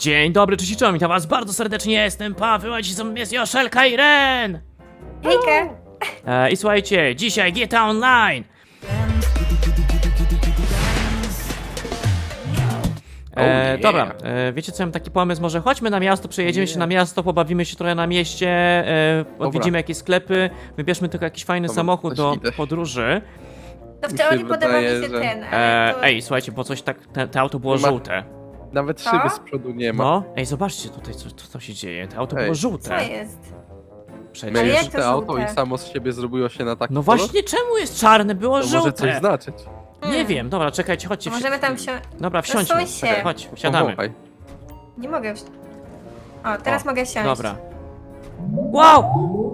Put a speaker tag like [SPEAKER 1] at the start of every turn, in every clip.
[SPEAKER 1] Dzień dobry, cześć i czołem, witam was bardzo serdecznie, jestem Paweł, a dzisiaj jest Joszelka i Ren!
[SPEAKER 2] Hejka!
[SPEAKER 1] I słuchajcie, dzisiaj GTA Online! Dobra, wiecie co, mam taki pomysł, może chodźmy na miasto, przejedziemy się na miasto, pobawimy się trochę na mieście, odwiedzimy jakieś sklepy, wybierzmy tylko jakiś fajny samochód do podróży.
[SPEAKER 2] To w teorii podoba mi
[SPEAKER 3] wydaje,
[SPEAKER 2] się
[SPEAKER 3] że-
[SPEAKER 2] ten, ale to...
[SPEAKER 1] Ej, słuchajcie, bo coś tak, te auto było
[SPEAKER 3] Nie ma-
[SPEAKER 1] żółte.
[SPEAKER 3] Nawet
[SPEAKER 2] Co?
[SPEAKER 3] szyby z przodu nie ma.
[SPEAKER 1] No, ej, zobaczcie tutaj, co się dzieje, te auto
[SPEAKER 3] Ej.
[SPEAKER 1] było
[SPEAKER 2] Co
[SPEAKER 1] żółte.
[SPEAKER 2] jest?
[SPEAKER 1] Przecież.
[SPEAKER 2] Ale jak
[SPEAKER 3] Miałeś
[SPEAKER 2] to
[SPEAKER 3] te auto
[SPEAKER 2] żółte?
[SPEAKER 3] i samo z siebie zrobiło się na taki
[SPEAKER 1] No
[SPEAKER 3] kolor?
[SPEAKER 1] właśnie, czemu jest czarne, było
[SPEAKER 3] To może coś
[SPEAKER 1] żółte?
[SPEAKER 3] znaczyć.
[SPEAKER 1] Nie wiem, dobra, czekajcie, chodźcie.
[SPEAKER 2] Możemy tam wsiąść...
[SPEAKER 1] Dobra, wsiądźmy.
[SPEAKER 2] Przesuń się.
[SPEAKER 1] Chodź, wsiadamy.
[SPEAKER 3] Powąchaj.
[SPEAKER 2] Nie mogę wsiąść. O, teraz mogę siąść.
[SPEAKER 1] Dobra. Wow!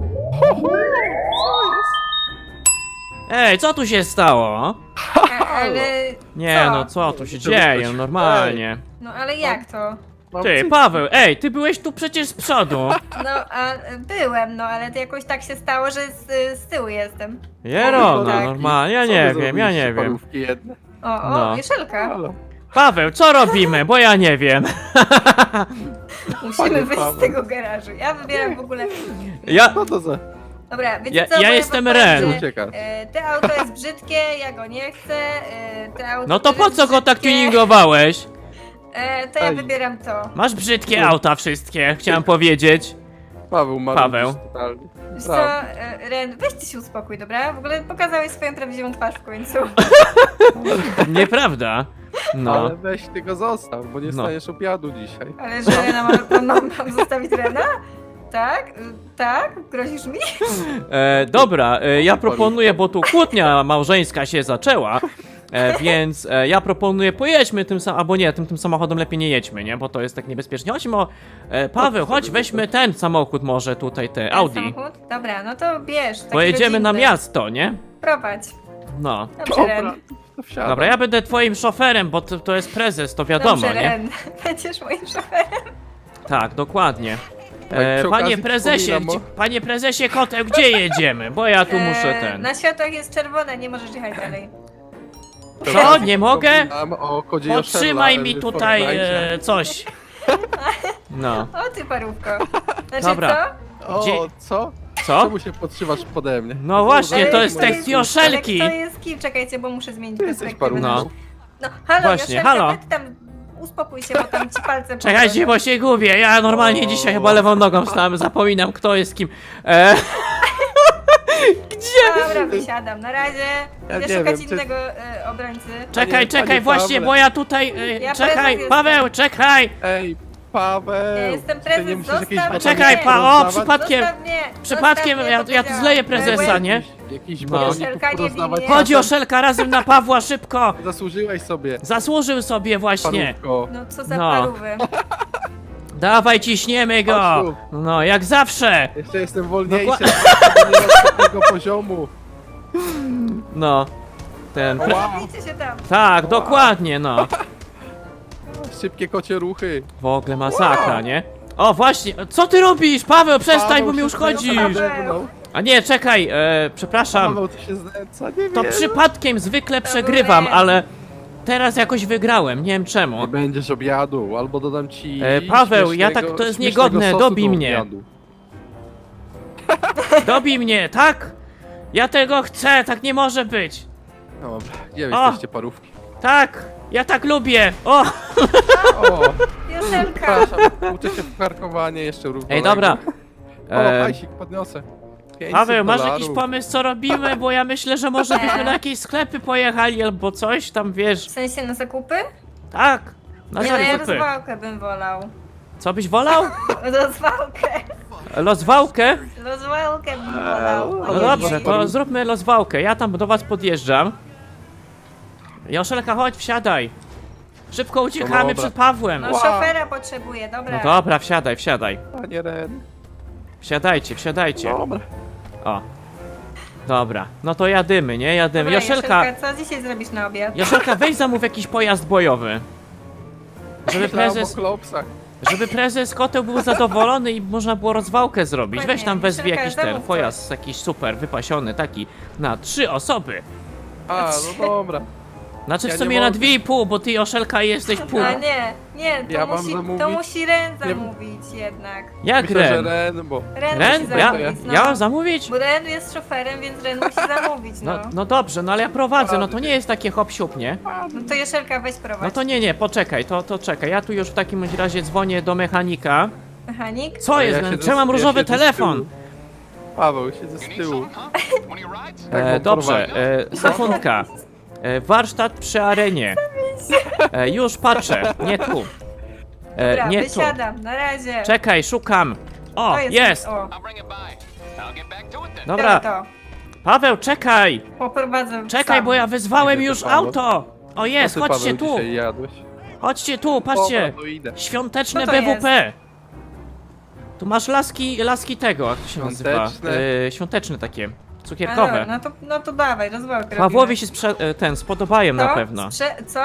[SPEAKER 1] Ej, co tu się stało?
[SPEAKER 2] Ale...
[SPEAKER 1] Nie,
[SPEAKER 2] Co?
[SPEAKER 1] no co tu się
[SPEAKER 3] Co
[SPEAKER 1] dzieje,
[SPEAKER 3] coś?
[SPEAKER 1] normalnie.
[SPEAKER 2] No ale jak to?
[SPEAKER 3] Mam
[SPEAKER 1] Ty,
[SPEAKER 3] cyk.
[SPEAKER 1] Paweł, ej, ty byłeś tu przecież z przodu.
[SPEAKER 2] No, a byłem, no ale to jakoś tak się stało, że z tyłu jestem.
[SPEAKER 1] Jero, no
[SPEAKER 2] Tak.
[SPEAKER 1] normalnie, ja
[SPEAKER 3] Co wy
[SPEAKER 1] nie wiem,
[SPEAKER 3] zrobiliście, parówki jedne?
[SPEAKER 2] O,
[SPEAKER 1] No.
[SPEAKER 2] Jeszelka.
[SPEAKER 3] Halo.
[SPEAKER 1] Paweł, co robimy, bo ja nie wiem.
[SPEAKER 2] Musimy
[SPEAKER 3] Panie
[SPEAKER 2] wyjść z
[SPEAKER 3] Paweł.
[SPEAKER 2] tego garażu. Ja wybieram w ogóle...
[SPEAKER 1] Ja,
[SPEAKER 3] Co to za...
[SPEAKER 2] Dobra, wiecie
[SPEAKER 1] Ja-
[SPEAKER 2] co?
[SPEAKER 1] ja
[SPEAKER 2] bo
[SPEAKER 1] jestem
[SPEAKER 2] wam powiem,
[SPEAKER 1] Ren.
[SPEAKER 2] że,
[SPEAKER 3] Ucieka.
[SPEAKER 2] Te auto jest brzydkie, ja go nie chcę. Te auto
[SPEAKER 1] no to
[SPEAKER 2] też
[SPEAKER 1] po
[SPEAKER 2] jest
[SPEAKER 1] co go tak
[SPEAKER 2] brzydkie.
[SPEAKER 1] tuningowałeś?
[SPEAKER 2] To ja
[SPEAKER 3] Ej.
[SPEAKER 2] wybieram to.
[SPEAKER 1] Masz brzydkie auta wszystkie, chciałem powiedzieć.
[SPEAKER 3] Paweł ma
[SPEAKER 1] Paweł.
[SPEAKER 3] totalnie.
[SPEAKER 2] Wiesz co,
[SPEAKER 3] Prawda.
[SPEAKER 2] Ren, weź ty się uspokój, dobra? W ogóle pokazałeś swoją prawdziwą twarz w końcu.
[SPEAKER 1] Nieprawda. No.
[SPEAKER 3] Ale weź ty go zostaw, bo nie
[SPEAKER 1] No.
[SPEAKER 3] staniesz obiadu dzisiaj.
[SPEAKER 2] Ale że Rena mam zostawić Rena? Tak? Tak? Grozisz mi?
[SPEAKER 1] Dobra, ja proponuję, bo tu kłótnia małżeńska się zaczęła, więc ja proponuję, pojedźmy tym samochodem, albo nie, tym samochodem lepiej nie jedźmy, nie, bo to jest tak niebezpiecznie. Chodźmy o, Paweł, chodź, weźmy ten samochód może tutaj, te Audi.
[SPEAKER 2] Samochód? Dobra, no to bierz. taki
[SPEAKER 1] Pojedziemy na
[SPEAKER 2] rodzinny.
[SPEAKER 1] miasto, nie?
[SPEAKER 2] Prowadź.
[SPEAKER 1] No.
[SPEAKER 2] Dobrze, Ren.
[SPEAKER 3] Dobra, to wsiadam.
[SPEAKER 1] Dobra, ja będę twoim szoferem, bo to jest prezes, to wiadomo,
[SPEAKER 2] Dobrze,
[SPEAKER 1] nie?
[SPEAKER 2] Ren. Będziesz moim szoferem.
[SPEAKER 1] Tak, dokładnie.
[SPEAKER 3] Tak, przy
[SPEAKER 1] Panie
[SPEAKER 3] okazji
[SPEAKER 1] prezesie,
[SPEAKER 3] przypominam
[SPEAKER 1] panie prezesie Koteł, gdzie jedziemy? Bo ja tu muszę ten.
[SPEAKER 2] Na światłach jest czerwone, nie możesz jechać dalej.
[SPEAKER 1] Co? Nie mogę?
[SPEAKER 3] Przypominam o kodzie
[SPEAKER 1] Podtrzymaj
[SPEAKER 3] Joszella,
[SPEAKER 1] mi
[SPEAKER 3] w
[SPEAKER 1] tutaj
[SPEAKER 3] Fortnite.
[SPEAKER 1] coś. No.
[SPEAKER 2] O ty parówko. Znaczy
[SPEAKER 1] Dobra.
[SPEAKER 3] O,
[SPEAKER 1] Gdzie-
[SPEAKER 3] co?
[SPEAKER 1] Co?
[SPEAKER 3] Czemu się podszywasz pode mnie?
[SPEAKER 1] No właśnie,
[SPEAKER 2] Ale
[SPEAKER 1] to jest
[SPEAKER 2] to
[SPEAKER 1] tekst
[SPEAKER 2] jest-
[SPEAKER 1] Joszelki.
[SPEAKER 2] Ale to jest kim? Czekajcie, bo muszę zmienić
[SPEAKER 3] Ty jesteś
[SPEAKER 2] perspektywę.
[SPEAKER 3] parówką.
[SPEAKER 1] No.
[SPEAKER 2] No, halo,
[SPEAKER 1] Właśnie,
[SPEAKER 2] Joszelka,
[SPEAKER 1] halo.
[SPEAKER 2] weź tam uspokój się, bo tam ci palce
[SPEAKER 1] Czekajcie, bo się gubię. Ja normalnie dzisiaj chyba lewą nogą wstałem, zapominam kto jest kim.
[SPEAKER 2] Dobra, wysiadam. Na razie.
[SPEAKER 3] Ja
[SPEAKER 2] Idę
[SPEAKER 3] nie
[SPEAKER 2] szukać
[SPEAKER 3] wiem, czy-
[SPEAKER 2] innego obrońcy.
[SPEAKER 1] Czekaj,
[SPEAKER 3] Panie
[SPEAKER 1] czekaj, właśnie,
[SPEAKER 3] Pawle.
[SPEAKER 1] bo ja tutaj.
[SPEAKER 2] Ja
[SPEAKER 1] Czekaj,
[SPEAKER 2] prezes
[SPEAKER 1] Paweł, czekaj!
[SPEAKER 3] Ej, Paweł!
[SPEAKER 2] Ja jestem
[SPEAKER 3] Ty
[SPEAKER 2] prezes,
[SPEAKER 3] nie musisz
[SPEAKER 2] zostaw
[SPEAKER 3] jakiejś
[SPEAKER 2] mnie.
[SPEAKER 1] Czekaj,
[SPEAKER 3] batonika
[SPEAKER 1] o,
[SPEAKER 3] rozdawać?
[SPEAKER 1] przypadkiem.
[SPEAKER 2] Zostaw mnie,
[SPEAKER 1] Przypadkiem
[SPEAKER 2] zostaw mnie,
[SPEAKER 1] ja tu zleję prezesa,
[SPEAKER 2] powiedziałam.
[SPEAKER 1] nie?
[SPEAKER 3] Jakiś
[SPEAKER 1] No.
[SPEAKER 3] batoników
[SPEAKER 2] Joszelka, nie
[SPEAKER 3] rozdawać
[SPEAKER 2] bij mnie.
[SPEAKER 1] Chodź,
[SPEAKER 3] czasem?
[SPEAKER 1] Joszelka, razem na Pawła, szybko!
[SPEAKER 3] Zasłużyłeś sobie,
[SPEAKER 1] Zasłużył sobie właśnie.
[SPEAKER 3] parówko.
[SPEAKER 2] No co za
[SPEAKER 1] No.
[SPEAKER 2] parówy.
[SPEAKER 1] Dawaj, ciśniemy go!
[SPEAKER 3] Chodź tu.
[SPEAKER 1] No, jak zawsze!
[SPEAKER 3] Jeszcze jestem wolniejszy,
[SPEAKER 1] Dokła-
[SPEAKER 3] nie mam takiego poziomu.
[SPEAKER 1] No. Ten. Pre...
[SPEAKER 3] Wow.
[SPEAKER 2] Zabijcie się tam.
[SPEAKER 1] Tak, dokładnie, no.
[SPEAKER 3] Szybkie kocie ruchy.
[SPEAKER 1] W ogóle masakra, nie? O, właśnie, co ty robisz? Paweł, przestań,
[SPEAKER 3] Paweł
[SPEAKER 1] bo mi
[SPEAKER 3] się
[SPEAKER 1] uszkodzisz!
[SPEAKER 3] znęca nade mną.
[SPEAKER 1] A nie, czekaj, przepraszam.
[SPEAKER 3] Paweł, ty się znęca, nie
[SPEAKER 1] To
[SPEAKER 3] wiem.
[SPEAKER 1] przypadkiem zwykle przegrywam,
[SPEAKER 2] Ren.
[SPEAKER 1] ale teraz jakoś wygrałem, nie wiem czemu.
[SPEAKER 3] Nie będziesz obiadu, albo dodam ci
[SPEAKER 1] Paweł, ja tak-
[SPEAKER 3] śmiesznego-
[SPEAKER 1] to jest
[SPEAKER 3] śmiesznego
[SPEAKER 1] niegodne,
[SPEAKER 3] sosu
[SPEAKER 1] dobij
[SPEAKER 3] do
[SPEAKER 1] mnie.
[SPEAKER 3] obiadu.
[SPEAKER 1] Dobij mnie, tak? Ja tego chcę, tak nie może być.
[SPEAKER 3] Dobra, gdzie
[SPEAKER 1] O!
[SPEAKER 3] jesteście parówki?
[SPEAKER 1] Tak, ja tak lubię. O,
[SPEAKER 3] O,
[SPEAKER 2] Joszelka.
[SPEAKER 3] przepraszam, uczę się w parkowanie jeszcze równo.
[SPEAKER 1] ej, dobra.
[SPEAKER 3] O, hajsik podniosę. 500
[SPEAKER 1] Paweł, masz
[SPEAKER 3] dolarów.
[SPEAKER 1] jakiś pomysł, co robimy? Bo ja myślę, że może byśmy na jakieś sklepy pojechali albo coś tam, wiesz.
[SPEAKER 2] W sensie na zakupy?
[SPEAKER 1] Tak, na
[SPEAKER 2] Nie, no ja
[SPEAKER 1] zakupy.
[SPEAKER 2] rozwałkę bym wolał.
[SPEAKER 1] Co byś wolał?
[SPEAKER 2] Rozwałkę.
[SPEAKER 1] Loswałkę?
[SPEAKER 2] Rozwałkę bym wolał.
[SPEAKER 3] No
[SPEAKER 1] No
[SPEAKER 2] Ojej.
[SPEAKER 1] dobrze, to zróbmy loswałkę. Ja tam do was podjeżdżam. Joszelka, chodź, wsiadaj. Szybko uciekamy
[SPEAKER 3] dobra.
[SPEAKER 1] przed Pawłem.
[SPEAKER 2] No
[SPEAKER 3] Wow.
[SPEAKER 2] szofera potrzebuję, dobra.
[SPEAKER 1] No dobra, wsiadaj, wsiadaj.
[SPEAKER 3] Panie Ren.
[SPEAKER 1] Wsiadajcie, wsiadajcie.
[SPEAKER 3] Dobra.
[SPEAKER 1] O. Dobra, no to jadymy, nie? Jadymy.
[SPEAKER 2] Dobra,
[SPEAKER 1] Joszelka,
[SPEAKER 2] co dzisiaj zrobisz na obiad?
[SPEAKER 1] Joszelka, weź zamów jakiś pojazd bojowy. Żeby
[SPEAKER 3] Myślałem
[SPEAKER 1] prezes,
[SPEAKER 3] o klopsach.
[SPEAKER 1] żeby prezes Koteł był zadowolony i można było rozwałkę zrobić. Weź tam
[SPEAKER 2] Dokładnie.
[SPEAKER 1] wezwij
[SPEAKER 2] Joszelka,
[SPEAKER 1] jakiś ten
[SPEAKER 2] zamów
[SPEAKER 1] pojazd, jakiś super, wypasiony, taki na 3 osoby.
[SPEAKER 3] A, no dobra.
[SPEAKER 1] Znaczy w
[SPEAKER 3] Ja
[SPEAKER 1] sumie
[SPEAKER 3] nie
[SPEAKER 1] na
[SPEAKER 3] mogę.
[SPEAKER 1] 2,5, bo ty Joszelka jesteś pół.
[SPEAKER 2] A nie, Nie, to,
[SPEAKER 3] Ja mam
[SPEAKER 2] musi,
[SPEAKER 3] zamówić?
[SPEAKER 2] to musi Ren
[SPEAKER 3] Nie-
[SPEAKER 2] zamówić jednak.
[SPEAKER 1] Jak
[SPEAKER 3] Myślę, że
[SPEAKER 1] Ren?
[SPEAKER 3] Ren, bo...
[SPEAKER 2] Ren,
[SPEAKER 1] Ren?
[SPEAKER 2] musi
[SPEAKER 1] Ja,
[SPEAKER 2] zamówić, no.
[SPEAKER 1] ja mam zamówić?
[SPEAKER 2] Bo Ren jest szoferem, więc Ren musi zamówić, no.
[SPEAKER 1] No dobrze, no ale ja prowadzę, no to nie jest takie hop siup, nie?
[SPEAKER 2] No to Jeszelka weź prowadź.
[SPEAKER 1] No to nie, poczekaj, to czekaj. Ja tu już w takim bądź razie dzwonię do mechanika.
[SPEAKER 2] Mechanik?
[SPEAKER 1] Co
[SPEAKER 3] Ale
[SPEAKER 1] jest?
[SPEAKER 3] ja siedzę
[SPEAKER 1] Czemu mam
[SPEAKER 3] z- ja
[SPEAKER 1] różowy
[SPEAKER 3] siedzę z
[SPEAKER 1] telefon?
[SPEAKER 3] tyłu. Paweł, siedzę z tyłu. Tak, bo
[SPEAKER 1] Dobrze,
[SPEAKER 3] prowadzi.
[SPEAKER 1] sekundka. Warsztat przy arenie. Już patrzę, nie tu.
[SPEAKER 2] Dobra,
[SPEAKER 1] Nie tu.
[SPEAKER 2] wysiadam, na razie.
[SPEAKER 1] Czekaj, szukam. O,
[SPEAKER 2] To
[SPEAKER 1] jest!
[SPEAKER 2] O,
[SPEAKER 1] Dobra,
[SPEAKER 2] to.
[SPEAKER 1] Paweł, czekaj!
[SPEAKER 2] Poprowadzę
[SPEAKER 1] Czekaj,
[SPEAKER 2] sam.
[SPEAKER 1] bo ja wyzwałem
[SPEAKER 3] Idę
[SPEAKER 1] już
[SPEAKER 3] do Paweł.
[SPEAKER 1] auto! O jest,
[SPEAKER 3] Co ty,
[SPEAKER 1] chodźcie
[SPEAKER 3] Paweł,
[SPEAKER 1] tu!
[SPEAKER 3] dzisiaj jadłeś?
[SPEAKER 1] Chodźcie tu, patrzcie!
[SPEAKER 3] Dobra, to idę.
[SPEAKER 1] Świąteczne
[SPEAKER 2] Co to
[SPEAKER 1] BWP! Tu masz laski tego, jak to się nazywa?
[SPEAKER 3] Świąteczne.
[SPEAKER 1] Świąteczne takie,
[SPEAKER 2] A,
[SPEAKER 1] cukierkowe.
[SPEAKER 2] dobra, no to dawaj, rozwałkę
[SPEAKER 1] Pawłowi się spodobają na pewno.
[SPEAKER 2] Co?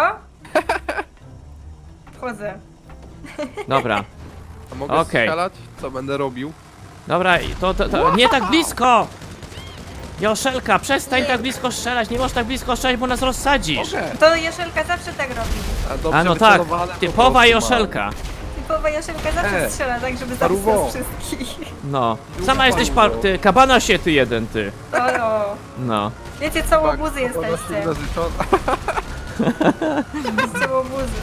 [SPEAKER 2] Wchodzę.
[SPEAKER 1] Dobra,
[SPEAKER 3] A mogę
[SPEAKER 1] Okej.
[SPEAKER 3] strzelać? Co będę robił?
[SPEAKER 1] dobra, to nie tak blisko! Joszelka, przestań tak blisko strzelać, nie możesz tak blisko strzelać, bo nas rozsadzisz.
[SPEAKER 3] Mogę.
[SPEAKER 2] To Jeszelka zawsze tak robi.
[SPEAKER 3] dobrze
[SPEAKER 1] A no tak,
[SPEAKER 3] wycelowane po
[SPEAKER 1] typowa
[SPEAKER 3] prostu
[SPEAKER 1] Joszelka.
[SPEAKER 2] Typowa Jeszelka zawsze strzela tak, żeby
[SPEAKER 3] paruwo.
[SPEAKER 2] zabić nas wszystkich.
[SPEAKER 1] No, sama jesteś ty, kabana się ty jeden, ty.
[SPEAKER 2] O,
[SPEAKER 1] No.
[SPEAKER 2] wiecie co,
[SPEAKER 3] Tak,
[SPEAKER 2] łobuzy jesteście. Jesteście łobuzy.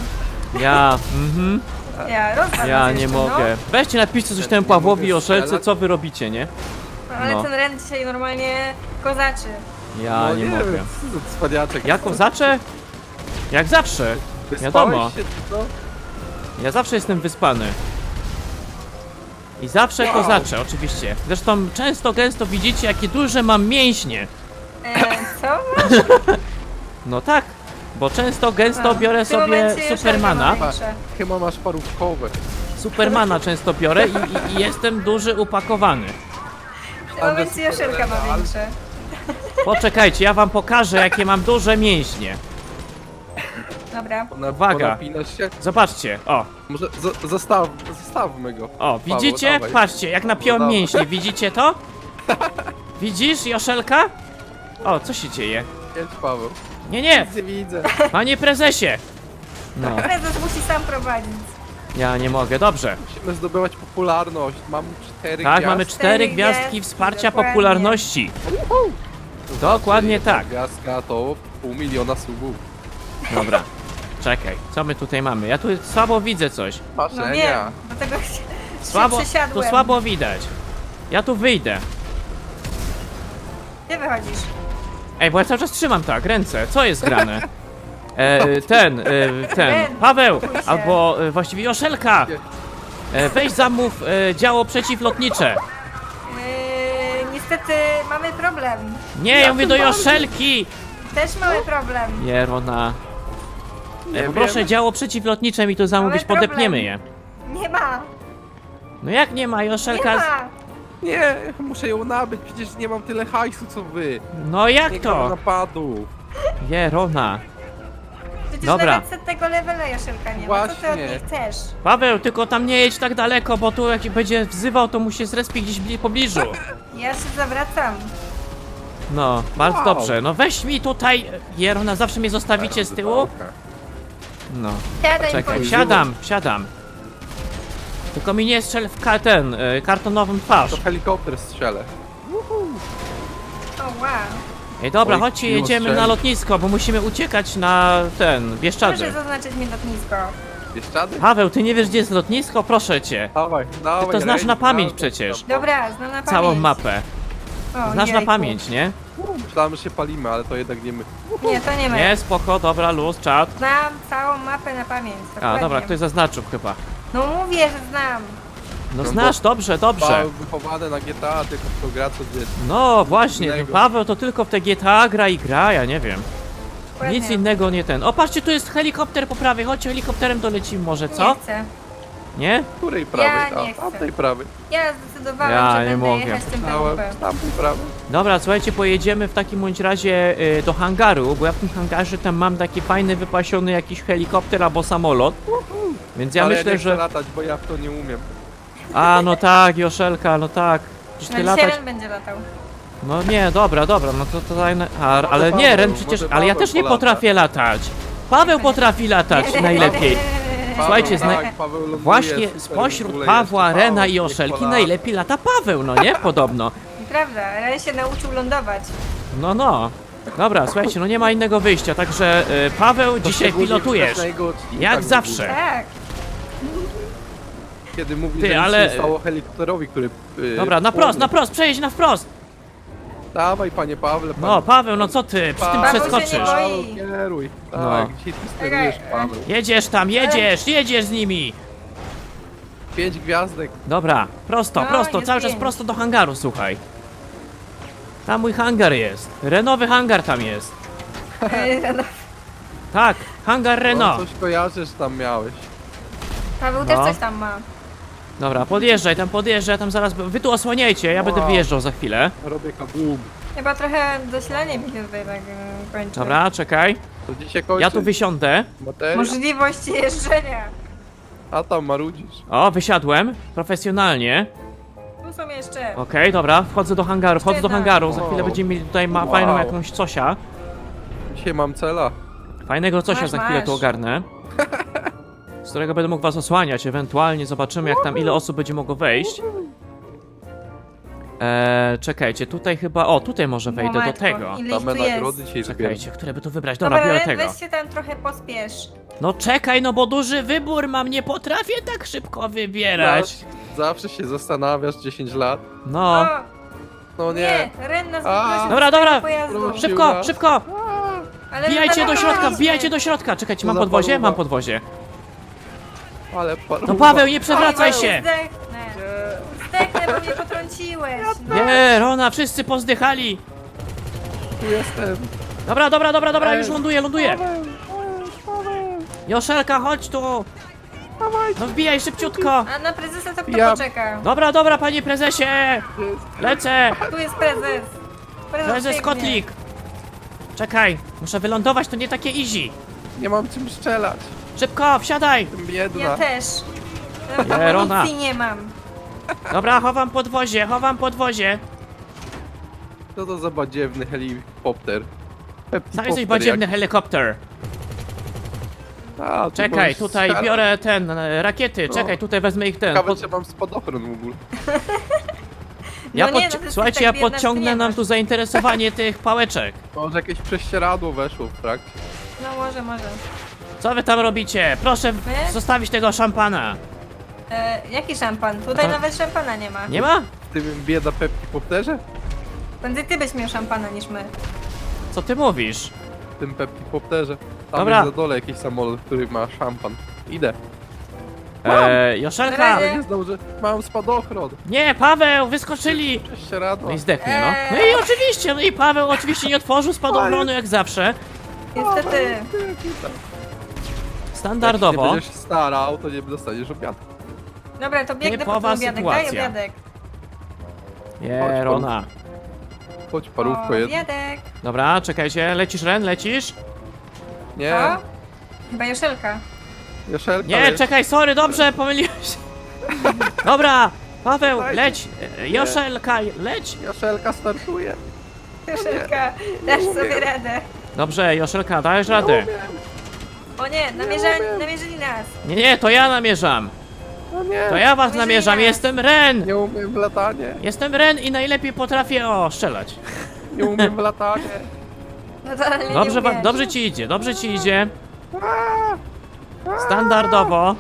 [SPEAKER 2] Ja rozwal
[SPEAKER 1] Ja
[SPEAKER 2] nas
[SPEAKER 1] nie
[SPEAKER 2] jeszcze,
[SPEAKER 1] mogę. Weźcie napiszcie coś temu
[SPEAKER 3] Nie
[SPEAKER 1] Pawłowi
[SPEAKER 3] mogę
[SPEAKER 1] Joszelce,
[SPEAKER 3] strzelać?
[SPEAKER 1] co wy robicie, nie?
[SPEAKER 2] No, ale
[SPEAKER 1] No.
[SPEAKER 2] ten Ren dzisiaj normalnie kozaczy.
[SPEAKER 1] Ja nie mogę.
[SPEAKER 3] Cwaniaczek.
[SPEAKER 1] Ja kozaczę? Jak zawsze. Wiadomo.
[SPEAKER 3] Się, co?
[SPEAKER 1] Ja zawsze jestem wyspany. I zawsze kozaczę, oczywiście. Zresztą często, gęsto widzicie, jakie duże mam mięśnie.
[SPEAKER 2] Co?
[SPEAKER 1] No tak, bo często, gęsto
[SPEAKER 2] A,
[SPEAKER 1] biorę
[SPEAKER 2] w tym
[SPEAKER 1] sobie
[SPEAKER 2] momencie Jeszelka
[SPEAKER 1] Supermana.
[SPEAKER 2] ma większe.
[SPEAKER 3] Chyba masz parówkowe.
[SPEAKER 1] Supermana często biorę i jestem duży, upakowany.
[SPEAKER 2] W tym momencie Jeszelka ma większe.
[SPEAKER 1] Poczekajcie, ja wam pokażę, jakie mam duże mięśnie.
[SPEAKER 2] Dobra.
[SPEAKER 1] Uwaga.
[SPEAKER 3] Napinasz się?
[SPEAKER 1] Zobaczcie, o,
[SPEAKER 3] Może zostawmy go.
[SPEAKER 1] o, widzicie?
[SPEAKER 3] dawaj.
[SPEAKER 1] Patrzcie, jak napiąłem
[SPEAKER 3] No dawaj.
[SPEAKER 1] mięśnie, widzicie to? Widzisz, Joszelka? O, co się dzieje?
[SPEAKER 3] Jedź, Paweł.
[SPEAKER 1] Nie, nie,
[SPEAKER 3] Nic nie widzę.
[SPEAKER 1] panie prezesie. No,
[SPEAKER 2] Prezes musi sam prowadzić.
[SPEAKER 1] ja nie mogę, dobrze.
[SPEAKER 3] Musimy zdobywać popularność. Mam 4
[SPEAKER 1] Tak,
[SPEAKER 3] gwiazd.
[SPEAKER 1] mamy 4 gwiazdki
[SPEAKER 2] gwiazdki,
[SPEAKER 1] wsparcia
[SPEAKER 2] dokładnie.
[SPEAKER 1] popularności. Dokładnie tak.
[SPEAKER 3] Gwiazdka to 500 000 subów.
[SPEAKER 1] Dobra, czekaj, co my tutaj mamy? Ja tu słabo widzę coś.
[SPEAKER 2] No
[SPEAKER 3] Marzenia.
[SPEAKER 2] wiem, dlatego się
[SPEAKER 1] Słabo, tu
[SPEAKER 2] przesiadłem.
[SPEAKER 1] słabo widać. Ja tu wyjdę.
[SPEAKER 2] Gdzie wychodzisz?
[SPEAKER 1] Ej, bo ja cały czas trzymam tak, ręce. Co jest grane? Ten, Paweł,
[SPEAKER 2] Spokój się.
[SPEAKER 1] albo właściwie Joszelka. Weź zamów działo przeciwlotnicze.
[SPEAKER 2] Niestety mamy problem.
[SPEAKER 1] Nie, ja mówię do Joszelki.
[SPEAKER 2] Też mamy problem.
[SPEAKER 1] Jerona.
[SPEAKER 3] Nie
[SPEAKER 1] Poproszę
[SPEAKER 3] wiem.
[SPEAKER 1] działo przeciwlotnicze mi tu zamówić,
[SPEAKER 2] problem.
[SPEAKER 1] podepniemy je.
[SPEAKER 2] Nie ma.
[SPEAKER 1] No jak nie ma,
[SPEAKER 2] Nie
[SPEAKER 1] Joszelka?
[SPEAKER 2] ma.
[SPEAKER 3] Nie, muszę ją nabyć, przecież nie mam tyle hajsu co wy.
[SPEAKER 1] No jak
[SPEAKER 3] Nie gram
[SPEAKER 1] to?
[SPEAKER 3] napadów.
[SPEAKER 1] Jerona.
[SPEAKER 2] Przecież
[SPEAKER 1] Dobra.
[SPEAKER 2] nawet setnego levela Jeszelka nie ma. Co ty od
[SPEAKER 3] Właśnie.
[SPEAKER 2] niej chcesz?
[SPEAKER 1] Paweł, tylko tam nie jedź tak daleko, bo tu jak będzie wzywał, to mu się zrespi gdzieś w pobliżu.
[SPEAKER 2] Ja się zawracam.
[SPEAKER 1] No, bardzo
[SPEAKER 3] Wow.
[SPEAKER 1] dobrze. No weź mi tutaj, Jerona, zawsze mnie zostawicie z tyłu? No,
[SPEAKER 2] Siadaj
[SPEAKER 1] czekaj,
[SPEAKER 2] bądź.
[SPEAKER 1] wsiadam. Tylko mi nie strzel w kartonową twarz.
[SPEAKER 3] To helikopter strzelę.
[SPEAKER 2] O wow.
[SPEAKER 1] Ej, dobra,
[SPEAKER 3] Oj,
[SPEAKER 1] chodźcie,
[SPEAKER 3] miło
[SPEAKER 1] jedziemy
[SPEAKER 3] strzelić.
[SPEAKER 1] na lotnisko, bo musimy uciekać na Bieszczady.
[SPEAKER 2] Proszę zaznaczyć mi lotnisko.
[SPEAKER 3] Bieszczady?
[SPEAKER 1] Paweł, ty nie wiesz, gdzie jest lotnisko? Proszę cię.
[SPEAKER 3] Dawaj, dawaj.
[SPEAKER 1] Ty to znasz
[SPEAKER 3] Rej,
[SPEAKER 1] na pamięć
[SPEAKER 3] dawaj.
[SPEAKER 1] przecież.
[SPEAKER 2] Dobra, znam na pamięć.
[SPEAKER 1] Całą mapę.
[SPEAKER 2] O,
[SPEAKER 1] Znasz na
[SPEAKER 2] jejku.
[SPEAKER 1] pamięć, nie?
[SPEAKER 3] Myślałem, że się palimy, ale to jednak nie my.
[SPEAKER 2] Nie, to nie my.
[SPEAKER 1] Nie, spoko, dobra, luz, czat.
[SPEAKER 2] Znam całą mapę na pamięć.
[SPEAKER 1] A,
[SPEAKER 2] Dokładnie.
[SPEAKER 1] dobra, ktoś zaznaczył chyba.
[SPEAKER 2] No mówię, że znam.
[SPEAKER 1] No
[SPEAKER 3] No
[SPEAKER 1] znasz, dobrze, dobrze.
[SPEAKER 3] Paweł wychowany na GTA, tylko w to gra co dzień.
[SPEAKER 1] No właśnie,
[SPEAKER 3] Innego.
[SPEAKER 1] Paweł to tylko w te GTA gra, ja nie wiem.
[SPEAKER 2] Dokładnie.
[SPEAKER 1] Nic innego nie ten. O, patrzcie, tu jest helikopter po prawej, chodźcie, helikopterem dolecimy może, co?
[SPEAKER 2] Nie chcę.
[SPEAKER 1] Nie?
[SPEAKER 3] Której prawej?
[SPEAKER 2] Ja nie
[SPEAKER 3] A,
[SPEAKER 2] chcę.
[SPEAKER 3] tamtej prawej.
[SPEAKER 2] Ja zdecydowałem,
[SPEAKER 1] Ja
[SPEAKER 2] że
[SPEAKER 1] nie
[SPEAKER 2] będę
[SPEAKER 1] mogę.
[SPEAKER 2] jechać tym
[SPEAKER 3] Dałem
[SPEAKER 2] BWP.
[SPEAKER 3] tamtej prawej.
[SPEAKER 1] Dobra, słuchajcie, pojedziemy w takim bądź razie do hangaru, bo ja w tym hangarze tam mam taki fajny, wypasiony jakiś helikopter albo samolot. Więc ja
[SPEAKER 3] ale
[SPEAKER 1] myślę,
[SPEAKER 3] ja nie chcę
[SPEAKER 1] że...
[SPEAKER 3] latać, bo ja w to nie umiem.
[SPEAKER 1] A, no tak, Joszelka, no tak. Przecież
[SPEAKER 2] No
[SPEAKER 1] ty
[SPEAKER 2] dzisiaj
[SPEAKER 1] latać...
[SPEAKER 2] Ren będzie latał.
[SPEAKER 1] No nie, dobra, no to tutaj... Ale nie,
[SPEAKER 3] Paweł,
[SPEAKER 1] Ren, przecież...
[SPEAKER 3] może
[SPEAKER 1] Ale ja
[SPEAKER 3] Paweł
[SPEAKER 1] też nie
[SPEAKER 3] polata.
[SPEAKER 1] potrafię latać. Paweł potrafi latać najlepiej. Słuchajcie,
[SPEAKER 3] Paweł ląduje
[SPEAKER 1] właśnie
[SPEAKER 3] super,
[SPEAKER 1] spośród
[SPEAKER 3] w ogóle
[SPEAKER 1] Pawła,
[SPEAKER 3] jeszcze
[SPEAKER 1] Rena
[SPEAKER 3] Paweł,
[SPEAKER 1] i
[SPEAKER 3] niech
[SPEAKER 1] Joszelki
[SPEAKER 3] polata.
[SPEAKER 1] najlepiej lata Paweł, no nie? Podobno.
[SPEAKER 2] Prawda, Ren się nauczył lądować.
[SPEAKER 1] No. Dobra, słuchajcie, no nie ma innego wyjścia, także Paweł, dzisiaj
[SPEAKER 3] Szczególnie
[SPEAKER 1] pilotujesz.
[SPEAKER 3] w tego odcinka
[SPEAKER 1] Jak
[SPEAKER 3] mi
[SPEAKER 1] zawsze.
[SPEAKER 3] mówi,
[SPEAKER 2] Tak.
[SPEAKER 3] Kiedy mówi,
[SPEAKER 1] Ty,
[SPEAKER 3] że
[SPEAKER 1] ale-
[SPEAKER 3] nic się stało helikopterowi, który...
[SPEAKER 1] Dobra, na prost, przejdź na wprost.
[SPEAKER 3] Dawaj, panie Pawle, pan...
[SPEAKER 1] No, Paweł, no co ty, przy tym
[SPEAKER 3] Paweł
[SPEAKER 2] się
[SPEAKER 1] przeskoczysz.
[SPEAKER 2] nie boi.
[SPEAKER 3] Paweł, kieruj. Tak,
[SPEAKER 1] No.
[SPEAKER 3] dzisiaj ty sterujesz, Paweł.
[SPEAKER 1] Jedziesz tam, jedziesz z nimi.
[SPEAKER 3] 5 gwiazdek.
[SPEAKER 1] Dobra, prosto,
[SPEAKER 2] No,
[SPEAKER 1] prosto,
[SPEAKER 2] jest
[SPEAKER 1] cały czas
[SPEAKER 2] pięć.
[SPEAKER 1] prosto do hangaru, słuchaj. Tam mój hangar jest. Renowy hangar tam jest.
[SPEAKER 2] No,
[SPEAKER 1] Tak, hangar
[SPEAKER 3] No,
[SPEAKER 1] Renault.
[SPEAKER 3] coś kojarzę, że tam miałeś.
[SPEAKER 2] Paweł
[SPEAKER 1] No.
[SPEAKER 2] też coś tam ma.
[SPEAKER 1] Dobra, podjeżdżaj, tam zaraz. Wy tu osłaniajcie, ja będę
[SPEAKER 3] Wow.
[SPEAKER 1] wyjeżdżał za chwilę.
[SPEAKER 3] Robię kabum.
[SPEAKER 2] Chyba trochę zasilanie mi się tutaj tak kończy.
[SPEAKER 1] Dobra, czekaj.
[SPEAKER 3] To dzisiaj kończy.
[SPEAKER 1] Ja tu wysiądę.
[SPEAKER 3] Materia.
[SPEAKER 2] Możliwość jeżdżenia.
[SPEAKER 3] A tam marudzisz.
[SPEAKER 1] O, wysiadłem. Profesjonalnie.
[SPEAKER 2] Tu są jeszcze.
[SPEAKER 1] Okej, dobra, wchodzę do hangaru, wchodzę do
[SPEAKER 2] Jedna.
[SPEAKER 1] hangaru. Za chwilę
[SPEAKER 3] Wow.
[SPEAKER 1] będziemy mieli tutaj
[SPEAKER 3] Wow.
[SPEAKER 1] fajną jakąś cosia.
[SPEAKER 3] Dzisiaj mam cela.
[SPEAKER 1] Fajnego cosia
[SPEAKER 2] Masz,
[SPEAKER 1] za chwilę tu
[SPEAKER 2] masz.
[SPEAKER 1] ogarnę. Z którego będę mógł was osłaniać, ewentualnie zobaczymy jak tam ile osób będzie mogło wejść. Czekajcie, tutaj chyba, o tutaj może wejdę do
[SPEAKER 2] Matko,
[SPEAKER 1] tego.
[SPEAKER 2] ile ich
[SPEAKER 3] Same
[SPEAKER 2] tu jest.
[SPEAKER 3] nagrody dzisiaj zbieram.
[SPEAKER 1] Czekajcie, które by tu wybrać? Dobra,
[SPEAKER 2] Dobra,
[SPEAKER 1] biorę
[SPEAKER 2] Ren,
[SPEAKER 1] tego.
[SPEAKER 2] weź się tam trochę pospiesz.
[SPEAKER 1] No czekaj, no bo duży wybór mam, nie potrafię tak szybko wybierać.
[SPEAKER 3] Zawsze się zastanawiasz 10 lat.
[SPEAKER 1] No,
[SPEAKER 3] No nie.
[SPEAKER 2] Nie, Ren nas
[SPEAKER 3] A.
[SPEAKER 2] wyprosił
[SPEAKER 1] Dobra,
[SPEAKER 2] z tego
[SPEAKER 1] dobra.
[SPEAKER 2] pojazdu.
[SPEAKER 3] Proszę.
[SPEAKER 1] szybko, szybko!
[SPEAKER 2] Ale
[SPEAKER 1] Wbijajcie do środka,
[SPEAKER 2] wywaliliśmy.
[SPEAKER 1] wbijajcie do środka! Czekajcie, mam
[SPEAKER 3] za
[SPEAKER 1] podwozie?
[SPEAKER 3] paruwa.
[SPEAKER 1] Mam podwozie.
[SPEAKER 3] Ale paruwa.
[SPEAKER 1] No Paweł, nie przewracaj
[SPEAKER 2] Paweł,
[SPEAKER 1] się!
[SPEAKER 2] Zdechnę, bo mnie potrąciłeś.
[SPEAKER 1] Nie, Rona, wszyscy pozdychali!
[SPEAKER 3] Tu jestem.
[SPEAKER 1] Dobra,
[SPEAKER 3] Ej.
[SPEAKER 1] już ląduję. Joszelka, chodź tu! No wbijaj szybciutko!
[SPEAKER 2] A na prezesa to kto
[SPEAKER 3] Ja-
[SPEAKER 2] poczeka?
[SPEAKER 1] Dobra, panie prezesie! Lecę!
[SPEAKER 2] Tu jest prezes.
[SPEAKER 1] Prezes
[SPEAKER 2] biegnie.
[SPEAKER 1] Kotlik! Czekaj, muszę wylądować, to nie takie easy.
[SPEAKER 3] Nie mam czym strzelać.
[SPEAKER 1] Szybko, wsiadaj!
[SPEAKER 3] Jestem biedna.
[SPEAKER 2] Ja też.
[SPEAKER 1] Nie, Rona.
[SPEAKER 2] Amunicji nie mam.
[SPEAKER 1] Dobra, chowam podwozie.
[SPEAKER 3] Co to za badziewny helikopter?
[SPEAKER 1] Sam jesteś
[SPEAKER 3] Peptipopter
[SPEAKER 1] badziewny
[SPEAKER 3] jak-
[SPEAKER 1] helikopter.
[SPEAKER 3] A, tu
[SPEAKER 1] Czekaj,
[SPEAKER 3] możesz
[SPEAKER 1] tutaj
[SPEAKER 3] strzelać.
[SPEAKER 1] biorę rakiety,
[SPEAKER 3] No.
[SPEAKER 1] czekaj, tutaj wezmę ich ten.
[SPEAKER 3] Ciekawe, czy mam spadochron w ogóle.
[SPEAKER 1] Ja
[SPEAKER 2] No nie, no to jest
[SPEAKER 1] Słuchajcie,
[SPEAKER 2] tak
[SPEAKER 1] ja
[SPEAKER 2] biedna, że
[SPEAKER 1] podciągnę
[SPEAKER 2] nie
[SPEAKER 1] nam
[SPEAKER 2] masz.
[SPEAKER 1] tu zainteresowanie tych pałeczek.
[SPEAKER 3] Może jakieś prześcieradło weszło w trakcie.
[SPEAKER 2] No może.
[SPEAKER 1] Co wy tam robicie? Proszę
[SPEAKER 2] My?
[SPEAKER 1] zostawić tego szampana.
[SPEAKER 2] Jaki szampan? Tutaj
[SPEAKER 1] To-
[SPEAKER 2] nawet szampana nie ma.
[SPEAKER 1] Nie ma?
[SPEAKER 3] W tym bieda Peptipopterze?
[SPEAKER 2] Prędzej ty byś miał szampana niż my.
[SPEAKER 1] Co ty mówisz?
[SPEAKER 3] W tym Peptipopterze. Tam
[SPEAKER 1] Dobra.
[SPEAKER 3] jest na dole jakiś samolot, który ma szampan. Idę.
[SPEAKER 1] Joszelka!
[SPEAKER 2] Na
[SPEAKER 3] Ale
[SPEAKER 2] razie.
[SPEAKER 3] nie zdążę. Mam spadochron.
[SPEAKER 1] Nie, Paweł, wyskoczyli!
[SPEAKER 3] Prześcieradło.
[SPEAKER 1] No i zdechnie, no. No i oczywiście, no i Paweł oczywiście nie otworzył spadochronu jak zawsze.
[SPEAKER 2] Niestety.
[SPEAKER 1] Standardowo.
[SPEAKER 3] Jak się będziesz starał, to nie dostaniesz obiadu.
[SPEAKER 2] Dobra, to biegnę po
[SPEAKER 1] Typowa
[SPEAKER 2] ten obiadek. Daj
[SPEAKER 1] sytuacja.
[SPEAKER 2] obiadek.
[SPEAKER 1] Nie, Rona.
[SPEAKER 3] Chodź parówko jedno.
[SPEAKER 2] Obiadek.
[SPEAKER 1] Dobra, czekajcie, lecisz Ren, lecisz?
[SPEAKER 3] Nie,
[SPEAKER 2] O? Chyba Joszelka.
[SPEAKER 3] Joszelka
[SPEAKER 1] Nie,
[SPEAKER 3] jest.
[SPEAKER 1] czekaj, sorry, dobrze, pomyliłem się. Dobra, Paweł, leć, Joszelka, leć.
[SPEAKER 3] Joszelka startuje.
[SPEAKER 2] Joszelka, dasz sobie radę.
[SPEAKER 1] Dobrze, Joszelka, dajesz radę.
[SPEAKER 2] O nie, namierzyli nas.
[SPEAKER 1] Nie, to ja namierzam.
[SPEAKER 3] No nie,
[SPEAKER 1] To ja was
[SPEAKER 2] Namierzyli
[SPEAKER 1] namierzam,
[SPEAKER 2] nas.
[SPEAKER 1] jestem Ren.
[SPEAKER 3] nie umiem w latanie.
[SPEAKER 1] Jestem Ren i najlepiej potrafię, strzelać.
[SPEAKER 3] Nie umiem w latanie.
[SPEAKER 2] No to ale
[SPEAKER 1] Dobrze,
[SPEAKER 2] nie umiesz.
[SPEAKER 1] dobrze ci idzie. Standardowo.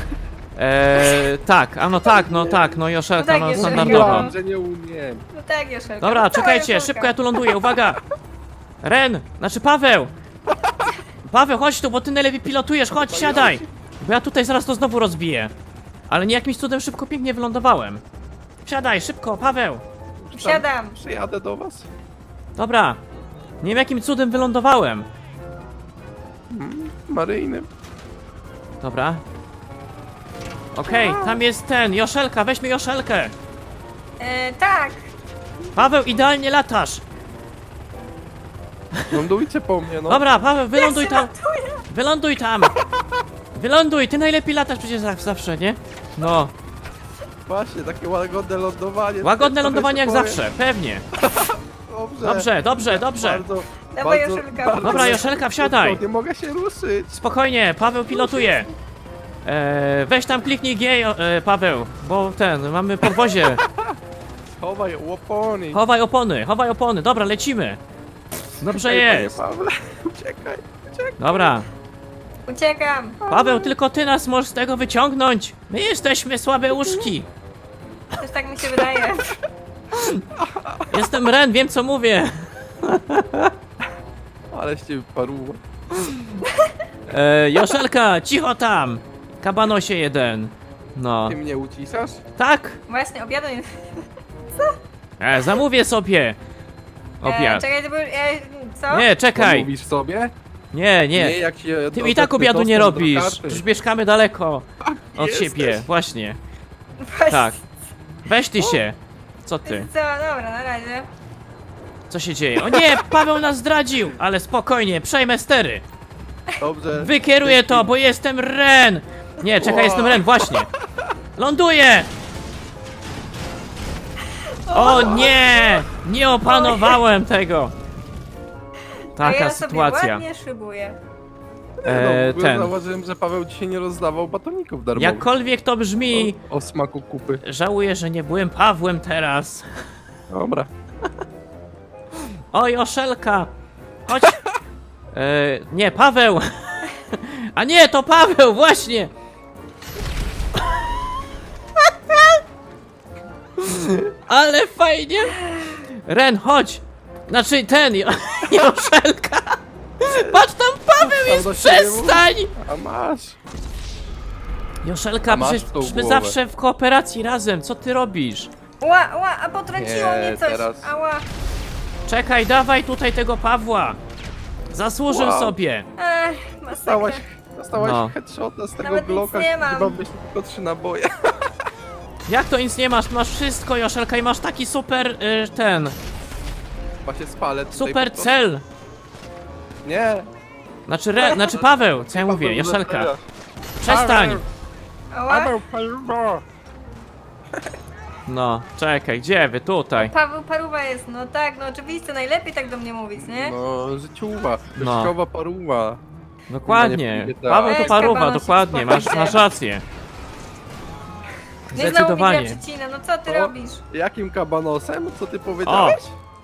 [SPEAKER 1] Tak, a no tak, no Joszelka,
[SPEAKER 2] tak,
[SPEAKER 1] no
[SPEAKER 2] Joszelka.
[SPEAKER 1] standardowo.
[SPEAKER 3] Mówiłam, że nie umiem.
[SPEAKER 2] No tak, Joszelka.
[SPEAKER 1] Dobra,
[SPEAKER 2] No,
[SPEAKER 1] czekajcie,
[SPEAKER 2] Joszelka.
[SPEAKER 1] szybko ja tu ląduję, uwaga! Ren, znaczy Paweł! Paweł, chodź tu, bo ty najlepiej pilotujesz, chodź, siadaj! Bo ja tutaj zaraz to znowu rozbiję. Ale nie jakimś cudem szybko, pięknie wylądowałem. Siadaj, szybko, Paweł!
[SPEAKER 2] Wsiadam.
[SPEAKER 3] Przyjadę do was.
[SPEAKER 1] Dobra. Nie wiem jakim cudem wylądowałem.
[SPEAKER 3] Maryjnym.
[SPEAKER 1] Dobra. Okej, tam jest ten, Joszelka, weźmy Joszelkę!
[SPEAKER 2] Tak.
[SPEAKER 1] Paweł, idealnie latasz!
[SPEAKER 3] Lądujcie po mnie, no.
[SPEAKER 1] Dobra, Paweł, wyląduj
[SPEAKER 2] Ja się
[SPEAKER 1] tam!
[SPEAKER 2] ratuję.
[SPEAKER 1] Wyląduj tam! Wyląduj, ty najlepiej latasz przecież zawsze, nie? No,
[SPEAKER 3] Właśnie, takie łagodne lądowanie.
[SPEAKER 1] łagodne
[SPEAKER 3] Trochę
[SPEAKER 1] lądowanie jak
[SPEAKER 3] się boję.
[SPEAKER 1] zawsze, pewnie.
[SPEAKER 3] Dobrze.
[SPEAKER 1] Dobrze.
[SPEAKER 3] Bardzo,
[SPEAKER 2] Dawaj,
[SPEAKER 3] bardzo,
[SPEAKER 2] Joszelka.
[SPEAKER 3] bardzo
[SPEAKER 1] Dobra, Joszelka, wsiadaj.
[SPEAKER 3] szybko, nie mogę się ruszyć.
[SPEAKER 1] Spokojnie, Paweł pilotuje. Weź tam kliknij G, Paweł, bo mamy podwozie.
[SPEAKER 3] Chowaj łopony.
[SPEAKER 1] Chowaj opony, dobra, lecimy. Dobrze
[SPEAKER 3] Ej, panie
[SPEAKER 1] jest.
[SPEAKER 3] Pawle, uciekaj.
[SPEAKER 1] Dobra.
[SPEAKER 2] Uciekam.
[SPEAKER 1] Paweł, tylko ty nas możesz z tego wyciągnąć. My jesteśmy słabe uszki.
[SPEAKER 2] Też tak mi się wydaje.
[SPEAKER 1] Jestem Ren, wiem co mówię.
[SPEAKER 3] Ale się paruwa.
[SPEAKER 1] Joszelka, cicho tam. Kabanosie jeden. No.
[SPEAKER 3] Ty mnie ucisasz?
[SPEAKER 1] Tak?
[SPEAKER 2] Właśnie, obiadu nie...
[SPEAKER 1] Zamówię sobie. Obiad.
[SPEAKER 2] Czekaj, to był... co?
[SPEAKER 1] Nie,
[SPEAKER 3] To
[SPEAKER 1] czekaj.
[SPEAKER 3] mówisz sobie?
[SPEAKER 1] Nie.
[SPEAKER 3] Jak się
[SPEAKER 1] Ty mi i tak obiadu nie
[SPEAKER 3] dostęp do
[SPEAKER 1] robisz.
[SPEAKER 3] karty.
[SPEAKER 1] Przecież mieszkamy daleko od
[SPEAKER 3] jesteś.
[SPEAKER 1] siebie. Właśnie.
[SPEAKER 2] Właśnie.
[SPEAKER 1] Tak. Weź ty się. Co ty?
[SPEAKER 2] Co, dobra, na razie.
[SPEAKER 1] Co się dzieje? O nie, Paweł nas zdradził. Ale spokojnie, przejmę stery.
[SPEAKER 3] Dobrze.
[SPEAKER 1] Wykieruję to, bo jestem Ren! Nie, czekaj, jestem Ren, właśnie. Ląduję! O nie! Nie opanowałem tego!
[SPEAKER 2] A
[SPEAKER 1] Taka
[SPEAKER 2] ja sobie
[SPEAKER 1] sytuacja.
[SPEAKER 2] ładnie szybuję.
[SPEAKER 3] W ogóle
[SPEAKER 1] Ten.
[SPEAKER 3] zauważyłem, że Paweł dzisiaj nie rozdawał batoników darmowych.
[SPEAKER 1] Jakkolwiek to brzmi,
[SPEAKER 3] O smaku kupy.
[SPEAKER 1] żałuję, że nie byłem Pawłem teraz.
[SPEAKER 3] Dobra.
[SPEAKER 1] Oj, Oszelka! Chodź! Nie, Paweł! A nie, to Paweł, właśnie! Ale fajnie! Ren, chodź! Znaczy ten, Joszelka! Patrz tam, Paweł
[SPEAKER 3] Tam
[SPEAKER 1] jest,
[SPEAKER 3] do siebie
[SPEAKER 1] przestań!
[SPEAKER 3] A masz.
[SPEAKER 1] Joszelka,
[SPEAKER 3] A masz
[SPEAKER 1] przecież
[SPEAKER 3] tą
[SPEAKER 1] my
[SPEAKER 3] głowę.
[SPEAKER 1] zawsze w kooperacji razem, co ty robisz?
[SPEAKER 2] Ła, a potrąciło
[SPEAKER 3] Nie,
[SPEAKER 2] mnie coś.
[SPEAKER 3] teraz.
[SPEAKER 2] Ała.
[SPEAKER 1] Czekaj, dawaj tutaj tego Pawła! Zasłużył
[SPEAKER 3] Wow.
[SPEAKER 1] sobie!
[SPEAKER 3] Dostałaś
[SPEAKER 2] Masakra.
[SPEAKER 1] No.
[SPEAKER 3] headshota z tego
[SPEAKER 2] Nawet nic
[SPEAKER 3] Glocka,
[SPEAKER 2] nie mam.
[SPEAKER 3] chyba byś tylko 3 naboje.
[SPEAKER 1] Jak to nic nie masz? Masz wszystko, Joszelka, i masz taki super,
[SPEAKER 3] Chyba się spalę tutaj
[SPEAKER 1] super
[SPEAKER 3] po prostu.
[SPEAKER 1] cel!
[SPEAKER 3] Nie.
[SPEAKER 1] Znaczy Paweł, co ja mówię,
[SPEAKER 3] Paweł,
[SPEAKER 1] Joszelka.
[SPEAKER 3] zabiera.
[SPEAKER 1] Przestań!
[SPEAKER 2] Ała.
[SPEAKER 3] Paweł, paruwa.
[SPEAKER 1] No, czekaj, gdzie wy? Tutaj.
[SPEAKER 2] Paweł Paruwa jest, no tak, no oczywiście, najlepiej tak do mnie mówić, nie?
[SPEAKER 3] No, życiowa,
[SPEAKER 1] No.
[SPEAKER 3] życiowa paruwa.
[SPEAKER 1] Dokładnie.
[SPEAKER 3] Nie tak.
[SPEAKER 1] Paweł to
[SPEAKER 2] Weź,
[SPEAKER 1] paruwa,
[SPEAKER 2] kabanosik,
[SPEAKER 1] dokładnie, masz
[SPEAKER 2] spokojnie.
[SPEAKER 1] rację.
[SPEAKER 2] Nie znowu mi
[SPEAKER 1] Zdecydowanie.
[SPEAKER 2] przecina, no co ty
[SPEAKER 3] O.
[SPEAKER 2] robisz?
[SPEAKER 3] Jakim kabanosem? Co ty powiedziałeś?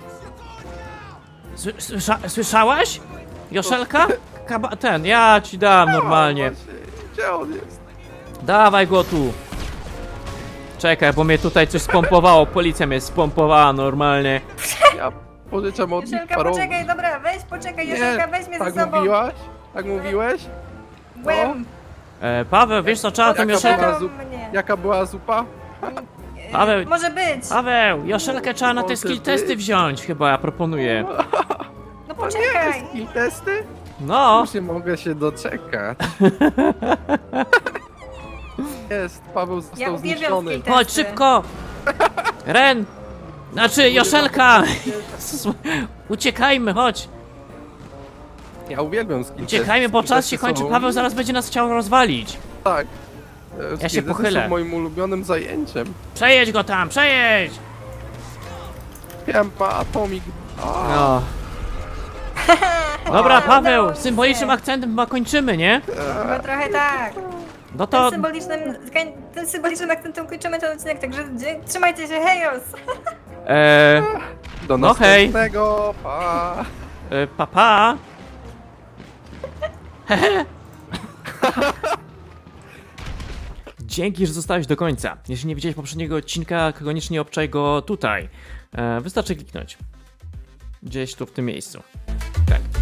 [SPEAKER 1] Słyszałaś? Joszelka? Ja ci dam normalnie.
[SPEAKER 3] Właśnie, gdzie on jest?
[SPEAKER 1] Dawaj go tu. Czekaj, bo mnie tutaj coś spompowało, policja mnie spompowała normalnie.
[SPEAKER 3] Ja pożyczam od nich
[SPEAKER 2] Joszelka,
[SPEAKER 3] parową.
[SPEAKER 2] poczekaj, dobra, weź, poczekaj, Joszelka, weź mnie
[SPEAKER 3] tak
[SPEAKER 2] ze sobą.
[SPEAKER 3] mówiłaś? Tak mówiłeś?
[SPEAKER 2] Łem.
[SPEAKER 1] Paweł, wiesz co, trzeba tym
[SPEAKER 3] Jaka była
[SPEAKER 1] Joszelkę...
[SPEAKER 2] mnie.
[SPEAKER 3] Jaka była zupa?
[SPEAKER 1] Paweł.
[SPEAKER 2] Może być.
[SPEAKER 1] Paweł, Joszelkę trzeba na te
[SPEAKER 3] Może
[SPEAKER 1] skill
[SPEAKER 3] być.
[SPEAKER 1] testy wziąć, chyba ja proponuję.
[SPEAKER 2] No poczekaj.
[SPEAKER 3] I testy?
[SPEAKER 1] No,
[SPEAKER 3] Już nie mogę się doczekać. Jest, Paweł
[SPEAKER 2] Ja
[SPEAKER 3] został
[SPEAKER 2] uwielbiam
[SPEAKER 3] zniszczony.
[SPEAKER 2] skill testy.
[SPEAKER 1] chodź szybko! Ren! Znaczy, Joszelka! Uciekajmy, chodź!
[SPEAKER 3] Ja uwielbiam skill
[SPEAKER 1] Uciekajmy, bo czas się kończy, Paweł zaraz będzie nas chciał rozwalić.
[SPEAKER 3] Tak.
[SPEAKER 1] Ja się
[SPEAKER 3] Skill testy
[SPEAKER 1] pochylę.
[SPEAKER 3] są moim ulubionym zajęciem.
[SPEAKER 1] Przejedź go tam, przejedź!
[SPEAKER 3] Piępa, atomik. A,
[SPEAKER 1] No. Dobra, Paweł,
[SPEAKER 2] udało mi
[SPEAKER 1] symbolicznym
[SPEAKER 2] się.
[SPEAKER 1] akcentem chyba kończymy, nie?
[SPEAKER 2] No trochę tak.
[SPEAKER 1] No to...
[SPEAKER 2] Tym symbolicznym akcentem kończymy ten odcinek, także trzymajcie się, hejos!
[SPEAKER 3] do
[SPEAKER 1] no hej.
[SPEAKER 3] następnego. Pa.
[SPEAKER 1] Papa. Dzięki, że zostałeś do końca. Jeśli nie widziałeś poprzedniego odcinka, koniecznie obczaj go tutaj. Wystarczy kliknąć. Gdzieś tu w tym miejscu. Tak.